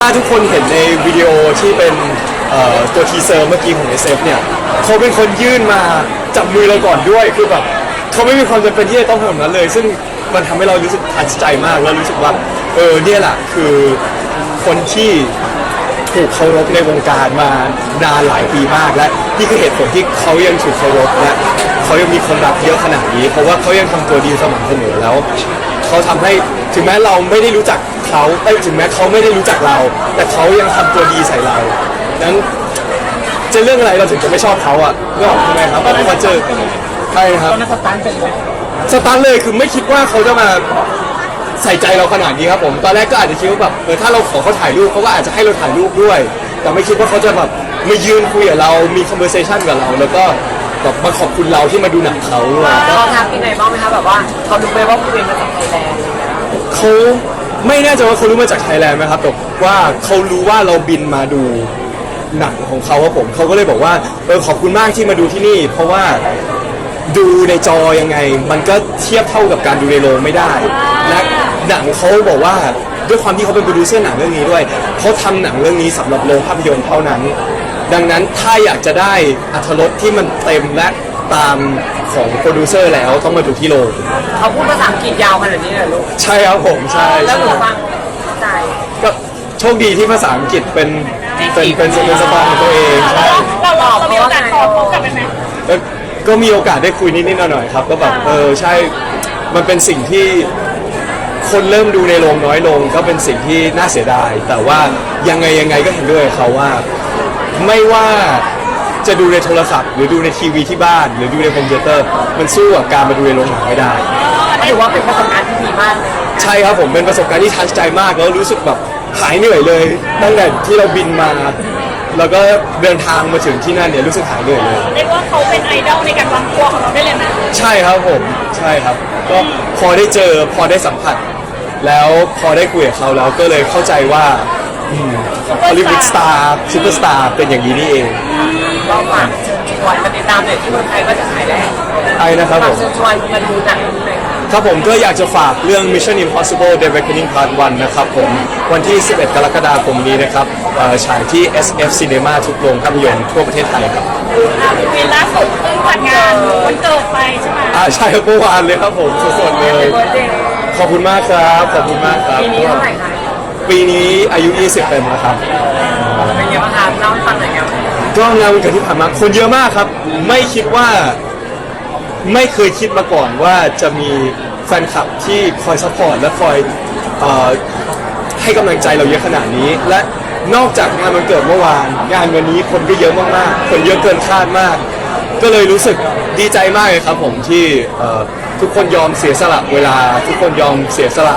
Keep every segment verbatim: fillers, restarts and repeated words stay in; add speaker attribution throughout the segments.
Speaker 1: ถ้าทุกคนเห็นในวิดีโอที่เป็นตัวทีเซอร์เมื่อกี้ของ เอส เอฟ เนี่ยเขาเป็นคนยื่นมาจับมือเราก่อนด้วยคือแบบเขาไม่มีความจำเป็นที่จะต้องทำแบบนั้นเลยซึ่งมันทำให้เรารู้สึกทัชใจมากแล้วรู้สึกว่าเออเนี่ยแหละคือคนที่ถูกเคารพในวงการมานานหลายปีมากและนี่คือเหตุผลที่เขายังถูกเคารพและเขายังมีคนรักเยอะขนาดนี้เพราะว่าเขายังทำตัวดีสม่ำเสมอแล้วเขาทำให้ถึงแม้เราไม่ได้รู้จักเขาเอ้ยถึงแม้เขาไม่ได้รู้จักเราแต่เขายังทำตัวดีใส่เรานั้นจะเรื่องอะไรเราถึงจะไม่ชอบเขาอ่ะก็ใช่ไหมครับพอเจอใช่ครับตอนนั้นสตาร์ทเป็นไหมสตาร์ทเลยคือไม่คิดว่าเขาจะมาใส่ใจเราขนาดนี้ครับผมตอนแรกก็อาจจะคิดว่าแบบเออถ้าเราขอเขาถ่ายรูปเขาก็อาจจะให้เราถ่ายรูปด้วยแต่ไม่คิดว่าเขาจะแบบมายืนคุยกับเรามี conversation กับเราแล้วก็แบบมาขอบคุณเราที่มาดูหนังเขา
Speaker 2: เขาทักยังไงบ้างไหมคะแบบว่าเขารู้ไหมว่าคุณเป็นมาจากไทยแลนด์
Speaker 1: เขาไม่แน่ใจว่าเขารู้มาจากไทยแลนด์ไหมครับแต่ว่าเขารู้ว่าเราบินมาดูหนังของเขาครับผมเขาก็เลยบอกว่าเออขอบคุณมากที่มาดูที่นี่เพราะว่าดูในจอยังไงมันก็เทียบเท่ากับการดูในโรงไม่ได้และหนังเขาบอกว่าด้วยความที่เขาเป็นโปรดิวเซอร์หนังเรื่องนี้ด้วยเขาทำหนังเรื่องนี้สำหรับโรงภาพยนตร์เท่านั้นดังนั้นถ้าอยากจะได้อรรถรสที่มันเต็มและตามของโปรดิวเซอร์แล้วต้องมาดูที่โรง
Speaker 2: เขาพูดภาษาอังกฤษยาวขนาดนี้เลยลูก
Speaker 1: ใช่ครับผมใช่
Speaker 2: แล้วหนูฟังใจ
Speaker 1: ก็โชคดีที่ภาษาอังกฤษเป็นเป็นเป็นเป็นสไตล์ของตัวเองใช่
Speaker 3: เราเราเรามีโอกาสตอบเขากลับไปไหม
Speaker 1: ก็มีโอกาสได้คุยนิดๆหน่อยๆครับก็แบบเออใช่มันเป็นสิ่งที่คนเริ่มดูในโรงน้อยลงก็เป็นสิ่งที่น่าเสียดายแต่ว่ายังไงยังไงก็เห็นด้วยเขาว่าไม่ว่าจะดูในโทรศัพท์หรือดูในทีวีที่บ้านหรือดูในคอมพิวเตอร์มันสู้กับการมาดูในโรงหนังไม่ได้
Speaker 2: ถือว่าเป็นประสบการณ์ที่ดีมาก
Speaker 1: ใช่ครับผมเป็นประสบการณ์ที่ทัชใจมากแล้วรู้สึกแบบหายเหนื่อยเลยตั้งแต่ที่เราบินมาแล้วก็เดินทางมาถึงที่นั่นเนี่ยรู้สึกหายเหนื่อยเลย
Speaker 3: เรียกว่าเขาเป็นไอดอลในการวางตัวของเราได้เลยนะ
Speaker 1: ใช่ครับผมใช่ครับก็พอได้เจอพอได้สัมผัสแล้วพอได้คุยกับเขาแล้วก็เลยเข้าใจว่าฮอลลีวูดสตาร์ซูเปอร์สตาร์เป็นอย่างนี้นี่เอง
Speaker 2: ก็ฝากเชิญชวนมาติดตามเด็กที่เมืองไทยก็จะถ่ายแล้ว
Speaker 1: ไอ้นะครับผม
Speaker 2: เชิญชวนมาดูหนังเลย
Speaker 1: ครับผมก็อยากจะฝากเรื่อง Mission Impossible The Reckoning Part วันนะครับผมวันที่สิบเอ็ดกรกฎาคมนี้นะครับฉายที่ เอส เอฟ Cinema ทุกโรงภาพยนตร์ทั่วประเทศไทยครับ
Speaker 3: วีล่าสุดเพิ่งจัดงานวันเกิดไปใช่ไหม
Speaker 1: อ่าใช่ครับเมื่อวานเลยครับผมสดๆเลยขอบคุณมากครับขอบคุณมากครับ
Speaker 2: ปีนี้เท่าไหร่คะ
Speaker 1: ปีนี้อายุยี่สิบเต็มแล้วครับ
Speaker 2: เป็นยังไงบ้างครับเล่าให้ฟังหน่อยครับ
Speaker 1: ก็งานวันเกิดที่ผ่านมาคนเยอะมากครับไม่คิดว่าไม่เคยคิดมาก่อนว่าจะมีแฟนคลับที่คอยซัพพอร์ตและคอยเอ่อให้กำลังใจเราเยอะขนาดนี้และนอกจากงานวันเกิดเมื่อวานงานวันนี้คนก็เยอะมากๆคนเยอะเกินคาดมากก็เลยรู้สึกดีใจมากเลยครับผมที่ทุกคนยอมเสียสละเวลาทุกคนยอมเสียสละ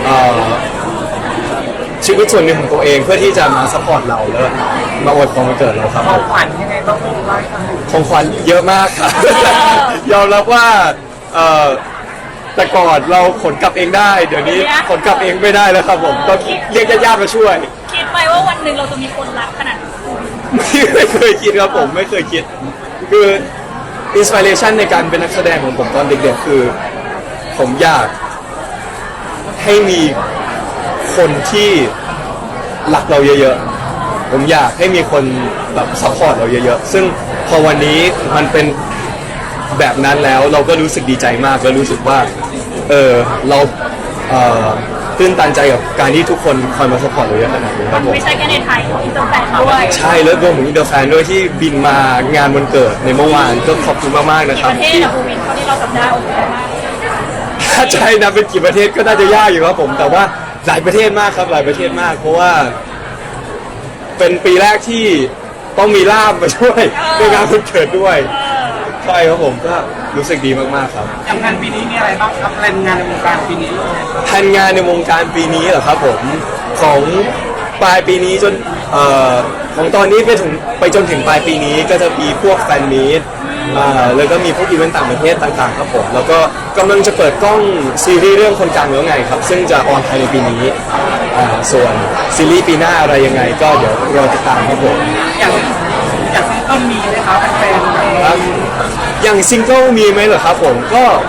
Speaker 1: ชีวิตส่วนหนึ่งของตัวเองเพื่อที่จะมาซัพพอร์ตเราแล้วมาอวยพรวันเกิดเราครับ
Speaker 2: ของขวัญยังไงต้องพูดว่า
Speaker 1: ของขวัญเยอะมากครับยอมรับว่าแต่ก่อนเราขนกลับเองได้เดี๋ยวนี้ขนกลับเองไม่ได้แล้วครับผมต้องเรียกญาติๆมาช่วย
Speaker 3: คิดไปว่าวันหนึ่งเราจะมีคนรักขนาดนี้
Speaker 1: ไม่เคยคิดครับผมไม่เคยคิดคืออินสปิเรชันในการเป็นนักแสดงของผมตอนเด็กๆคือผมอยากให้มีคนที่รักเราเยอะๆผมอยากให้มีคนแบบซัพพอร์ตเราเยอะๆซึ่งพอวันนี้มันเป็นแบบนั้นแล้วเราก็รู้สึกดีใจมากแล้วรู้สึกว่าเออเราเอ่อตื่นตันใจกับการที่ทุกคนคอยมาซัพพอร์ตเราเยอะขนาดนี้ครับผม
Speaker 3: ไม่ใช่แค่ในไทยอินเตอร์แฟนด้วย
Speaker 1: ใช่แล้วรวมถึงอินเตอร์แฟนด้วยที่บินมางานวันเกิดในเมื่อวานก็ขอบคุณมากๆนะครับ
Speaker 3: ที่ประเทศนะภูวินเขาที่เราจำได้โอเคมาก
Speaker 1: ถ้าใช่นะเป็นกี่ประเทศก็น่าจะยากอยู่ครับผมแต่ว่าหลายประเทศมากครับหลายประเทศมากเพราะว่าเป็นปีแรกที่ต้องมีล่ามมาช่วยในงานวันเกิดด้วยใช่ครับผมก็รู้สึกดีมากๆครับ
Speaker 2: ทำงานปีนี้มีอะไรบ้างครับแผนงานในวงการปีนี้
Speaker 1: แผนงานในวงการปีนี้เหรอครับผมของปลายปีนี้จนเอ่อของตอนนี้ไปถึงไปจนถึงปลายปีนี้ก็จะมีพวกแฟนมีตอ่าแล้วก็มีพวกอีเวนต์ต่างประเทศต่างๆครับผมแล้วก็กำลังจะเปิดกล้องซีรีส์เรื่องคนกลางแล้วไงครับซึ่งจะออนภายในปีนี้อ่าส่วนซีรีส์ปีหน้าอะไรยังไงก็เดี๋ยวรอติดตามครับผม
Speaker 2: อย่างอย่างซิงเกิลมีไหมครับแฟน
Speaker 1: ครับอย่างซิงเกิลมีไหมเหรอครับผมก็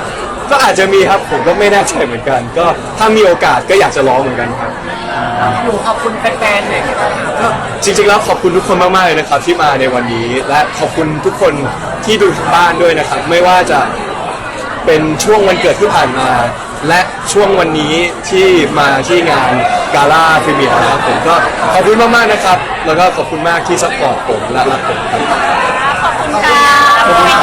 Speaker 1: ก็อาจจะมีครับผมก็ไม่แน่ใจเหมือนกัน ก็ถ้ามีโอกาสก็อยากจะร้องเหมือนกันครับ
Speaker 2: หนูขอบคุณแฟนๆหน่อยค่ะ
Speaker 1: จริงๆแล้วขอบคุณทุกคนมากๆเลยนะครับที่มาในวันนี้ และขอบคุณทุกคนที่ดูทางบ้านด้วยนะครับ ไม่ว่าจะเป็นช่วงวันเกิดที่ผ่านมา และช่วงวันนี้ที่มาที่งานกาล่าพรีเมียร์นะครับผมก็ขอบคุณมากๆนะครับ แล้วก็ขอบคุณมากที่ซัพพอร์ตผมและรักผมครับ
Speaker 3: ขอบคุณค่ะ